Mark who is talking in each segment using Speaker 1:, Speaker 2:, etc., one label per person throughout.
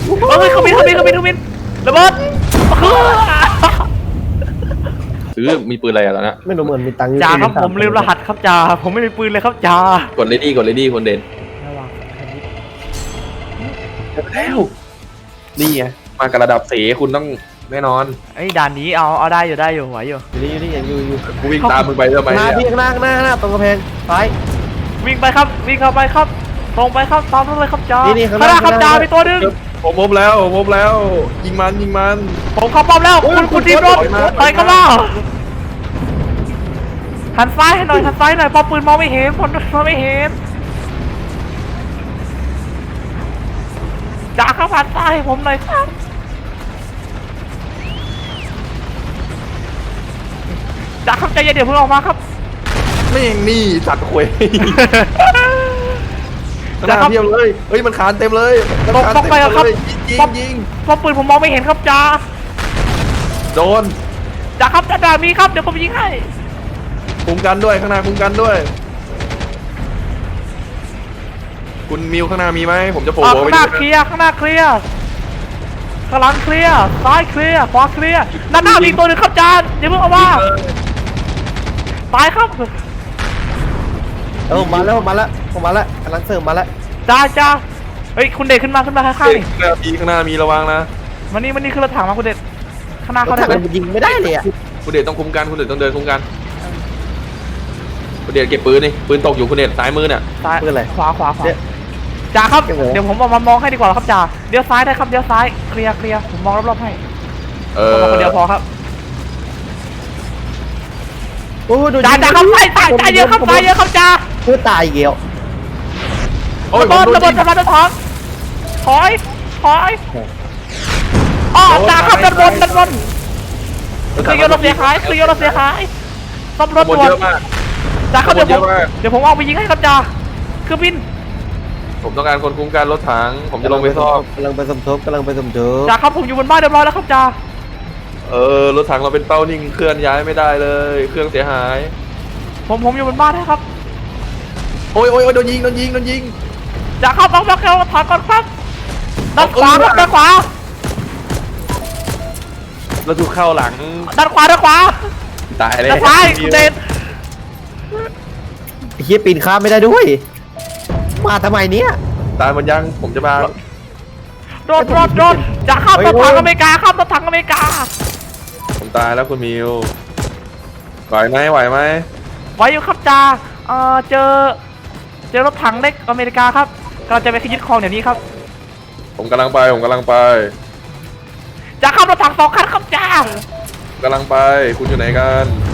Speaker 1: เฮ้ยเขาบินระเบิด
Speaker 2: ซื้อมีปืนอะไรแล้วนะ
Speaker 3: ไม่รู้เหมือนมีตังค์
Speaker 1: จ่าครับผมลืมรหัสครับจ่าผมไม่มีปืนเลยครับจ่าก
Speaker 2: ดเลดี้คนเด่น
Speaker 1: ระวังคันนี้
Speaker 2: แล้วนี่ไงมากับระดับเสคุณต้องแน่นอน
Speaker 1: ไอ้ด่านนี้เอาได้อยู่ไหวอยู่
Speaker 3: อยู่นี่อยู่
Speaker 2: กูวิ่งตามมึงไปทำไม
Speaker 3: หน้า
Speaker 2: เนี่ย
Speaker 3: พี่ข้างหน้าตรงกระแพงซ้าย
Speaker 1: วิ่งไปครับวิ่งเข้าไปครับตรงไปครับตามนั้นเลยครับจ่า
Speaker 3: นี่ข้างห
Speaker 1: ข้างห
Speaker 3: น้า
Speaker 1: น้าครับจ่ามีตัวหนึง
Speaker 2: ผมพบแล้วยิงมัน
Speaker 1: ผมเข้าป้อมแล้วคุณทีมรถไปกันล่ะหันซ้ายให้หน่อยเพอปืนมองไม่เห็นมองไม่เห็นจ่าครับหันซ้ายให้ผมหน่อยครับจ่าครับใจเย็นเดี๋ยวเพิ่งออกมาครับ
Speaker 2: ไม่งนี่สัตว์ควยขนาดเทียบเลยเฮ้ยมันคานเต็มเลยยิง
Speaker 1: เพราะปืนผมมองไม่เห็นครับจ่า
Speaker 2: โดน
Speaker 1: จ่าครับจ่ามีครับเดี๋ยวผมยิงให้
Speaker 2: คุมกันด้วยข้างหน้าคุมกันด้วยคุณมิวข้างหน้ามีไหมผมจะโผล่
Speaker 1: ข้างหน้าเคลียร์ข้างหลังเคลียร์ซ้ายเคลียร์ขวาเคลียร์ด้านหน้ามีตัวหนึ่งครับจ่าเดี๋ยวเพิ่งเอาว่าตายครับ
Speaker 3: ผมมาแล้วกำลังเสริมมาแล้ว
Speaker 1: จ้าเฮ้ยคุณเดชขึ้นมาข้างๆนี่
Speaker 2: ข้างหน้ามีระวังนะ
Speaker 1: มันนี่คือรถถังมาคุณเดชข้างหน้าเขาได้
Speaker 3: ถ้า
Speaker 1: ไหม
Speaker 3: มันยิงไม่ได้เลยอ่ะ
Speaker 2: คุณเดชต้องคุมกันคุณเดชต้องเดินคุมกันคุณเดชเก็บปืนนี่ปืนตกอยู่คุณเดชซ้ายมือเนี่ย
Speaker 1: ซ้าย
Speaker 3: เพื่ออะไร
Speaker 1: ขวาจ่าครับเดี๋ยวผมเอามามองให้ดีกว่าครับจ่าเดี๋ยวซ้ายได้ครับเดี๋ยวซ้ายเคลียร์ผมมองรอบๆให้ผมคนเดียวพอครับ
Speaker 3: โอ้ดู
Speaker 1: จ่าครับซ้ายเยอะครับจ่า
Speaker 3: เพื่อตายเกี่ยว
Speaker 2: โอ้ย
Speaker 1: ระเบิดถอยอ๋อจ่าครับด้านบนเคลียร์รถเสียหายซ่อมรถ
Speaker 2: หมด
Speaker 1: ด่วน
Speaker 2: เยอะมาก
Speaker 1: จ่าครับเดี๋ยวผมเอาไปยิงให้ครับจ่าเครื่องบิน
Speaker 2: ผมต้องการคนคุมการรถถังผมจะลงไปซ่อม
Speaker 3: กำลังไปสมทบ
Speaker 1: จ่าครับผมอยู่บนบ้านเรียบร้อยแล้วครับจ่าร
Speaker 2: ถถังเราเป็นเป้านิ่งเคลื่อนย้ายไม่ได้เลยเครื่องเสียหาย
Speaker 1: ผมอยู่บนบ้านนะครับ
Speaker 2: โอ้ยโดนยิง
Speaker 1: จ่าครับต้องมาเข้าถอยก่อนครับด้านขวาครับด้านขวา
Speaker 2: เราถูกเข้าหลัง ตายเลย
Speaker 1: ด้านซ้ายคุณเดช
Speaker 3: เฮียปีนข้ามไม่ได้ด้วยมาทำไมเนี่ย
Speaker 2: ตายหมดยังผมจะมา
Speaker 1: รถจ่าครับรถถังอเมริกาครับรถถังอเมริกา
Speaker 2: ผมตายแล้วคุณมิวไหวไหม
Speaker 1: ไว้อยู่ครับจ่าเจอรถถังเล็กอเมริกาครับกำลังจะไปยึดครองเดี๋ยวนี้ครับ
Speaker 2: ผมกำลังไป
Speaker 1: จ่าครับรถถัง2 คันครับจ่าก
Speaker 2: ำลังไปคุณอยู่ไหนกัน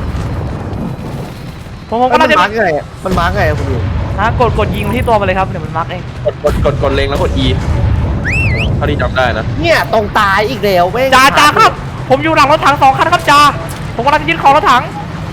Speaker 1: ผม
Speaker 3: มัน
Speaker 1: กำลังจะ
Speaker 3: มาร์กไงมันมาร์กไงคุณอยู่
Speaker 1: กดยิงที่ตัวมาเลยครับเดี๋ยวมันมาร์กเอง
Speaker 2: กดเล็งแล้วกด E เท่าที่จำได้นะ
Speaker 3: เนี่ยตรงตายอีกแล้วไม่
Speaker 1: จ่าครับผมอยู่หลังรถถัง2 คันครับจ่าผมกำลังจะยึดครองรถถัง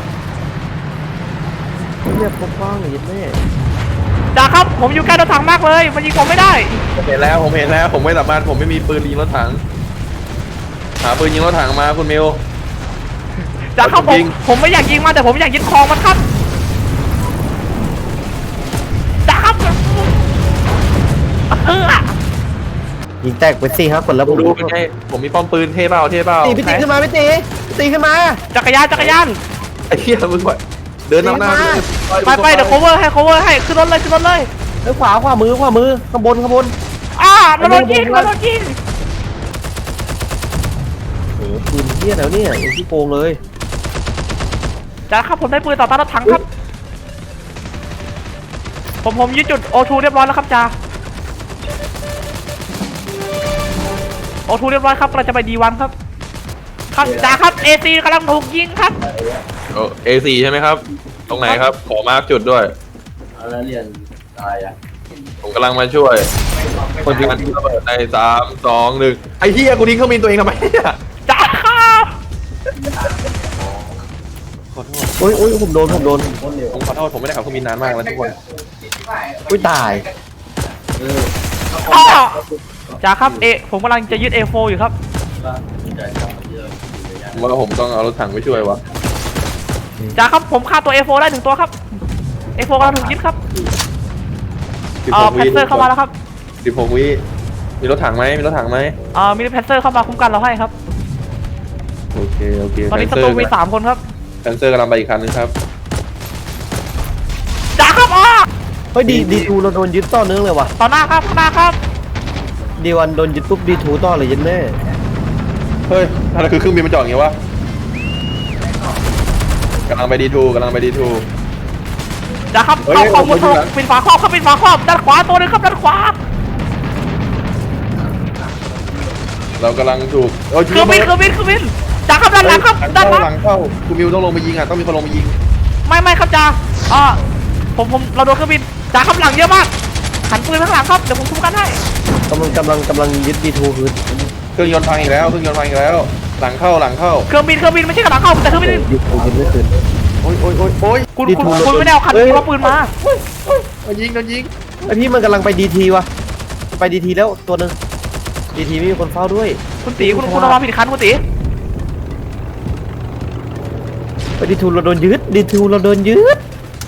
Speaker 3: เนี่ยปกป้องอย่างนี้แม่
Speaker 1: จ่าครับผมอยู่ใกล้รถถังมากเลยมันยิงผมไม่ได้
Speaker 2: ผมเห็นแล้วผมไม่สามารถผมไม่มีปืนยิงรถถังหาปืนยิงรถถังมาคุณมิว
Speaker 1: จ่าครับผมไม่อยากยิงมันแต่ผมอยากยึดครองมันครับจ่าครับ
Speaker 3: ยิงแตกไปสิครับคนละ
Speaker 2: ดูเป็นไงผมมีป้อมปืนเท่เปล่า
Speaker 3: พี่ตีขึ้นมาพี่ตีขึ้นมา
Speaker 1: จักรยาน
Speaker 2: ไอ้เหี้ยมึงไหวเดินนำหน้า
Speaker 1: ไปเดี๋ยว cover ให้ขึ้นรถเลย
Speaker 3: ขวามือข้างบน
Speaker 1: มันโดนยิง
Speaker 3: โอ้โหปืนเที่ยแล้วเนี่ยที่โกงเลย
Speaker 1: จ่าครับผมได้ปืนต่อต้านรถถังครับผมยึดจุด O2 เรียบร้อยแล้วครับจ่า O2 เรียบร้อยครับกำลังจะไป D1 ครับจ่าครับ AC กำลังถูกยิงครับ
Speaker 2: A4 ใช่ไหมครับตรงไหนครับขอมาร์กจุดด้วย
Speaker 4: แล้วเรียนอะไรอ่ะ
Speaker 2: ผมกำลังมาช่วยคนยิงระเบิดใน3 2 1ไอ้เหี้ยกูทิ้งเครื่องบินตัวเองทำไมเนี่ย
Speaker 1: จ่าครับ
Speaker 2: ขอโทษ
Speaker 3: โอ้ยผมโดน
Speaker 2: ผมขอโทษผมไม่ได้ขับเครื่องบินนานมากแล้วทุกคน
Speaker 3: อุ้ยตาย
Speaker 1: จ่าครับผมกำลังจะยึด A4 อยู่ครับ
Speaker 2: ผมว่าผมต้องเอารถถังไปช่วยวะ
Speaker 1: จ่าครับผมฆ่าตัว A4 ได้1 ตัวครับ A4 กำลังถูกยึดครับแพนเซอร์เข้ามาแล้วครับ
Speaker 2: 16 วิมีรถถังไหมมีรถถังไหม
Speaker 1: มีแพนเซอร์เข้ามาคุ้มกันเราให้ครับ
Speaker 2: โอเคโอเค
Speaker 1: ตอนนี้ศัตรูมี3 คนครับ
Speaker 2: แพนเซอร์กำลังไปอีกคันนึงครับ
Speaker 1: จ่าครับ
Speaker 3: เฮ้ยดีทูเราโดนยึดต่อเนื่องเลยว่ะ
Speaker 1: ต่อหน้าครับข้างหน้าครับ
Speaker 3: ดีวันโดนยึดปุ๊บดีทูต่อเลยยันแม่
Speaker 2: เฮ้ยนั่นคือเครื่องบินมันจอดอย่างงี้วะกำลังไปดีทูกำลังไปดีทู
Speaker 1: จ่าครับ
Speaker 2: เฮ้ย
Speaker 1: เข้ามุด
Speaker 2: ผมอยู่หลัง
Speaker 1: ปิดฝาครอบครับปิดฝาครอบด้านขวาตัวหนึงครับด้านขวา
Speaker 2: เรากำลังถูก
Speaker 1: เครื่องบินจ่าครับด้านหลังครับด้านหลัง
Speaker 2: หลังเข้าคุณมิวต้องลงไปยิงอ่ะต้องมีคนลงไปยิง
Speaker 1: ไม่ครับจ่าผมเราโดนเครื่องบินจ่าครับหลังเยอะมากหันปืนข้างหลังครับเดี๋ยวผมคุ้มกันให้
Speaker 3: กำลังยึดดีทูคือ
Speaker 2: เครื่องยนต์พังอีกแล้วเครื่องยนต์พังอีกแล้ว หลังเข้า
Speaker 1: เครื่องบินไม่ใช่กระหลังเข้าแต่เครื่องบิน
Speaker 3: ดีทูยึดไม่ขึ้น
Speaker 2: โอ้ยโอ้ยโอ้ยโอ้ย
Speaker 1: คุณ
Speaker 3: ดีทู
Speaker 1: ไม่ได้เอาคันเอาปืนมา
Speaker 2: โดนยิงโดนยิง
Speaker 3: ไอพี่มันกำลังไปดีทีวะไปดีทีแล้วตัวหนึงดีทีไม่มีคนเฝ้าด้วย
Speaker 1: คุณตีคุณเอามาผิดคันคุณตี
Speaker 3: ไปดีทูเราโดนยึดดีทูเราโดนยึด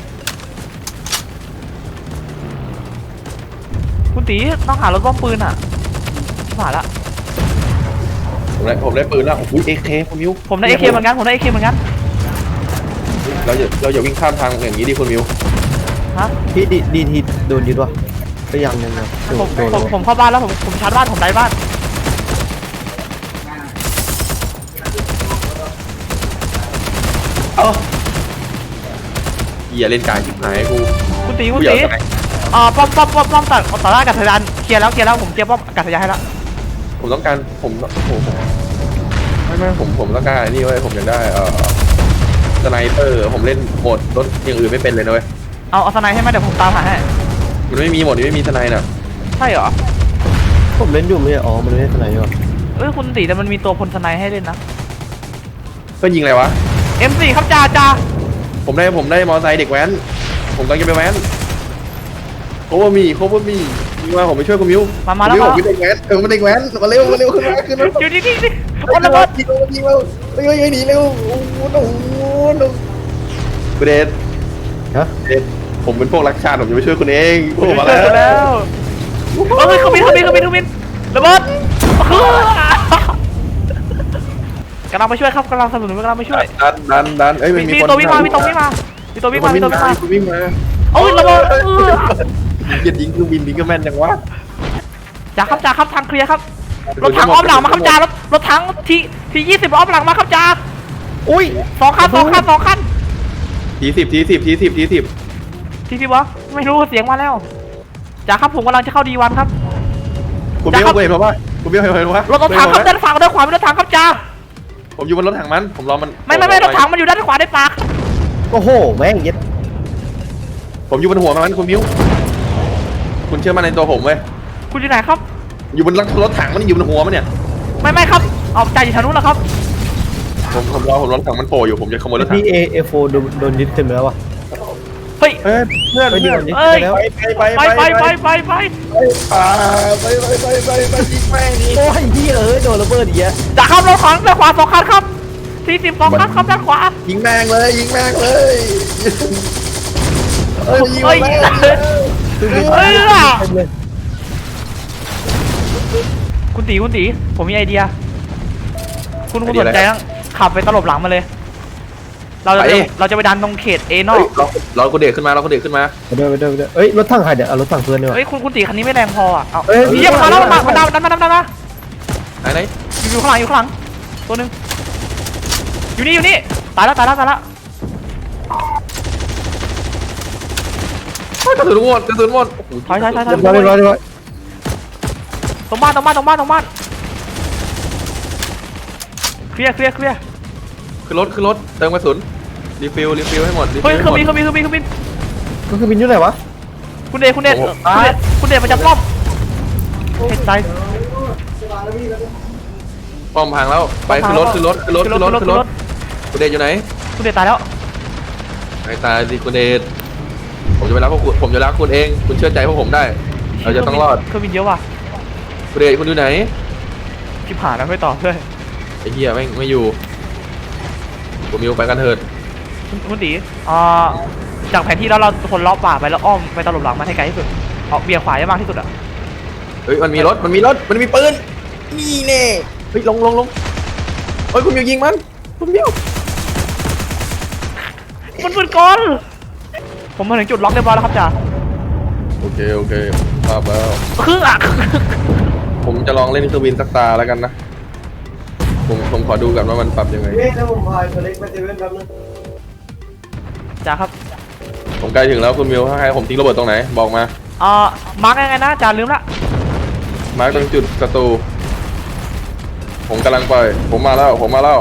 Speaker 1: คุณตีต้องหารถป้อมปืนอ่ะผ่านละ
Speaker 2: ผมได้ปืนแล้วโอ้ยเอเคคุณมิว
Speaker 1: ผมได้เอเคเหมือนกัน
Speaker 2: เราอย่าวิ่งข้ามทางอย่างนี้ดิคุณมิว
Speaker 1: ฮะ
Speaker 3: พี่ดีทีโดนยึดวะก็ยังนะ
Speaker 1: ผมเข้าบ้านแล้วผมชาร์จบ้านผมไล่บ้าน
Speaker 2: อย่าเล่นกายจิบหายกู
Speaker 1: คุณตีป้อมต่อหน้าอากาศยานเคลียร์แล้วผมเคลียร์ป้อมอากาศยานให้แล้ว
Speaker 2: ผมต้องการผมไม่ผมต้องการนี่เว้ยผมอยากได้สไนเปอร์ผมเล่นโหมดรถอย่างอื่นไม่เป็นเลยนะเว้ย
Speaker 1: เอาสไนให้ไหมเดี๋ยวผมตามหาให้
Speaker 2: มันไม่มีโหมดนี้ไม่มีสไนน่ะ
Speaker 1: ใช่เหรอ
Speaker 3: ผมเล่นอยู่ไม่อ๋อมันไม่ได้ทนายหรอ
Speaker 1: คุณตีแต่มันมีตัวพลสไนให้เล่นนะ
Speaker 2: เพื่อนยิงอะไรวะ
Speaker 1: M4 ครับจ่า
Speaker 2: ผมได้มอเตอร์ไซค์เด็กแว้นผมกำลังจะไปแว้นโคบมียิงมาผมไปช่วยคุณมิว
Speaker 1: มาแล้ว
Speaker 2: ผมเป็นเด็กแว้นมันเด็กแว้นมาเร็วขึ้นมา
Speaker 1: อยู่นี่โอ้
Speaker 2: ระ
Speaker 1: ระ
Speaker 2: เบิ
Speaker 1: เบิ
Speaker 2: ด
Speaker 1: ด
Speaker 2: ยิงเราเฮ้ยหนีเร็วโอ้โหคุณเดช
Speaker 3: ฮะ
Speaker 2: ผมเป็นพวกรักชาติผมจะไปช่วยคุณเองผมมา
Speaker 1: เจอแล้
Speaker 2: แล้ว
Speaker 1: เขาบินระเบิดกำลังไปช่วยครับกำลังสนับสนุนกำลังไปช่วย
Speaker 2: ดันเอ้ย
Speaker 1: มีตัววิ่งมาโอ้ยระเบิด
Speaker 2: ยิงยิงเครื่องบินยิงก็แม่นจังวะ
Speaker 1: จ่าครับทางเคลียร์ครับรถถังอ้อมหลังมาครับจ่ารถถังที20อ้อมหลังมาครับจ่า
Speaker 3: อุ้ย
Speaker 1: สองคัน
Speaker 2: ทีสิบ
Speaker 1: ทีวะไม่รู้เสียงมาแล้วจ่าครับผมกำลังจะเข้าD1ครับ
Speaker 2: คุณเบลเห็นป่ะคุณเบลเห็นป่ะ
Speaker 1: รถถังครับด้านขวามีรถถังครับจ่า
Speaker 2: ผมอยู่บนรถถังมันผมรอมัน
Speaker 1: ไม่รถถังมันอยู่ด้านขวาในปาก
Speaker 3: โอ้โหแม่งยึด
Speaker 2: ผมอยู่บนหัวมันคุณมิวคุณเชื่อมั่นในตัวผมเว้ย
Speaker 1: คุณอยู่ไหนครับ
Speaker 2: อยู่บนรถถังมันอยู่บนหัวมันเนี่ย
Speaker 1: ไม่ครับเอาจ่าอยู่ทางนู้นแล้วครับ
Speaker 2: ผมรอรถถังมันโผล่อยู่ผมจะขโมยรถถัง
Speaker 3: พี่เอโฟโดนยึดเต็มแล้ววะ
Speaker 1: เฮ้ย
Speaker 2: เพื่อน
Speaker 3: ไป
Speaker 2: ไป
Speaker 3: ดี
Speaker 2: ไป
Speaker 3: วันยึดไปแล้ว
Speaker 2: ไปยิงแม่งนี่
Speaker 3: โอ้ยพี่โดนระเบิดอีกแล้ว
Speaker 1: จ่าครับรถถังด้านขวา2 คันครับ42 คันครับด้านขวา
Speaker 2: ยิงแม่งเลยยิง
Speaker 1: คุณตีผมมีไอเดียคุณสนใจต้องขับไปตลบหลังมาเลยเราจะไปดันตรงเขตเอนอก
Speaker 2: เราก็เด็กขึ้นมาไปด้วย
Speaker 3: เอ้ยรถถังใครเดี๋ยวเอารถถังเพื่อนดีกว่า
Speaker 1: เฮ้ยคุณตีคันนี้ไม่แรงพออ่ะเอา
Speaker 3: เอ้ย
Speaker 1: เยี่ยมมาแล้วมาดันมา
Speaker 2: ไหน
Speaker 1: อยู่ข้างหลังตัวนึงอยู่นี่ตายแล้ว
Speaker 2: กระสุนหมด
Speaker 1: ถอย
Speaker 3: เรียบร้อย
Speaker 1: ตรงบ้านเคลียร์
Speaker 2: คือรถเติมกระสุนรีฟิลให้หมด
Speaker 1: เฮ้ยเครื่องบิน
Speaker 3: ก็คือบินอยู่ไหนวะ
Speaker 1: คุณเดชมันจะป้อมเห็นใจ
Speaker 2: ป้อมพังแล้วไปคือรถคุณเดชอยู่ไหน
Speaker 1: คุณเดชตายแล้ว
Speaker 2: ไม่ตายสิคุณเดชผมจะไปรักผมจะรักคุณเองคุณเชื่อใจพวกผมได้เราจะต้องรอด
Speaker 1: เครื่องบินเยอะว่ะ
Speaker 2: คุณเดชคุณอยู่ไหน
Speaker 1: ชิบหายแล้วไม่ตอบด้วย
Speaker 2: ไอ้เหี้ยไม่อยู่ผมมิวไปกันเถิด
Speaker 1: คุณตีจากแผนที่แล้วเราคนล้อป่าไปแล้วอ้อมไปตลบหลังมันให้ไกลที่สุดเอาเบี่ยงขวาให้มากที่สุดอ่ะ
Speaker 2: ไปฮ้ยมันมีรถมันมีปืนนี่แน่เฮ้ยลงเฮ้ยคุณมิวยิงมันคุณมิว
Speaker 1: มันปืนกลผมมาถึงจุดล็อกเรียบร้อยแล้วครับจ่า
Speaker 2: โอเคทราบแล้ว
Speaker 1: คืออ่ะ
Speaker 2: ผมจะลองเล่นเครื่องบินสักตาแล้วกันนะผมขอดูกันว่ามันปรับยังไง
Speaker 3: เฮ้ยถ้าผมพายตัวเล็กไปเซเว่นแป๊บนึง
Speaker 1: จ่าครับ
Speaker 2: ผมใกล้ถึงแล้วคุณมิวให้ผมทิ้งระเบิดตรงไหนบอกมา
Speaker 1: มาร์กยังไงนะจ่าลืมละ
Speaker 2: มาร์คตรงจุดศัตรูผมกำลังไปผมมาแล้วไปแล้ว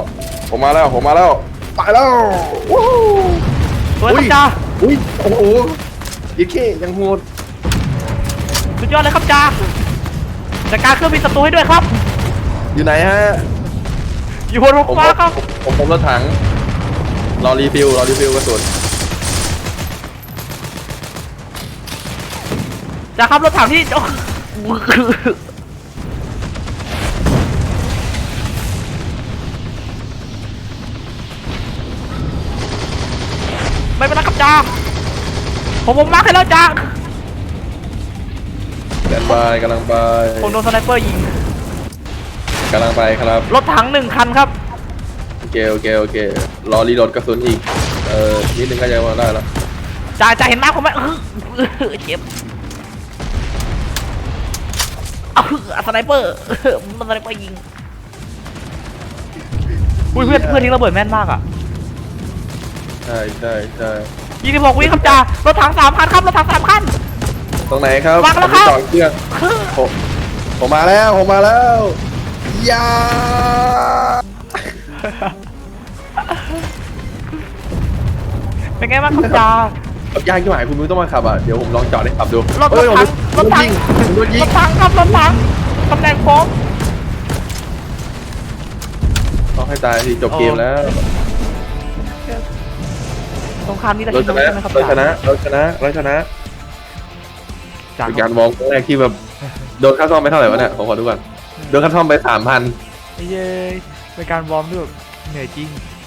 Speaker 2: วู้
Speaker 1: สวยครับจ่า
Speaker 2: อุ้ยโอ้โหยิ่งแค่ยังโหด
Speaker 1: สุดยอดเลยครับจ่าจัดการเครื่องบินศัตรูให้ด้วยครับ
Speaker 2: อยู่ไหนฮะ
Speaker 1: อยู่บนรถฟ้าครับ
Speaker 2: ผมรถถังรอรีฟิลกระสุน
Speaker 1: จ่าครับรถถังที่ไม่เป็นไรครับจ่าผมมาร์คให้แล้วจ่า
Speaker 2: แดนบายกำลังไป
Speaker 1: ผมโดนสไนเปอร์ยิง
Speaker 2: กำลังไปครับ
Speaker 1: รถถัง1 คันครับ
Speaker 2: โอเครอรีโหลดกระสุนอีกนิดนึงก็จะมาได้แล้ว
Speaker 1: จ่าเห็นหน้าผมไหมเจ็บสไนเปอร์มันสไนเปอร์ยิงอุ้ยเพื่อนทิ้งระเบิดแม่นมากอ่ะ
Speaker 2: ใช่
Speaker 1: 26 วิครับจ่ารถถัง3 คันครับรถถัง3 คัน
Speaker 2: ตรงไหนครับ
Speaker 1: วางแล้วครับ
Speaker 2: ผมมีสองเครื่องผมมาแล้วยา
Speaker 1: เป็นไงบ้างครับจ่า
Speaker 2: ขับยากที่หมายคุณนุ้ยต้องมาขับอ่ะเดี๋ยวผมลองจอดให้ขับดู
Speaker 1: รถ
Speaker 2: เฮ้ย
Speaker 1: ถัง
Speaker 2: ผมโดนยิง
Speaker 1: รถถังครับรถถังตำแหน่งโค้ง
Speaker 2: ต้องให้ตายสิจบเกมแล้ว
Speaker 1: สงครามนี้จะ
Speaker 2: เรา
Speaker 1: ช
Speaker 2: ช
Speaker 1: นะ
Speaker 2: นะ
Speaker 1: ใช่ไหมครับ
Speaker 2: เราช
Speaker 1: จ่า
Speaker 2: นะ
Speaker 1: จ่า
Speaker 2: เป็นการวอร์มครั้งแรกที่แบบโดนค่าซ่อมไปเท่าไหร่วะเนี่ยผมขอดูก่อนโดนค่าซ่อมไป 3,000
Speaker 1: เย้เป็นการวอร์มที่แบบเหนื่อยจริง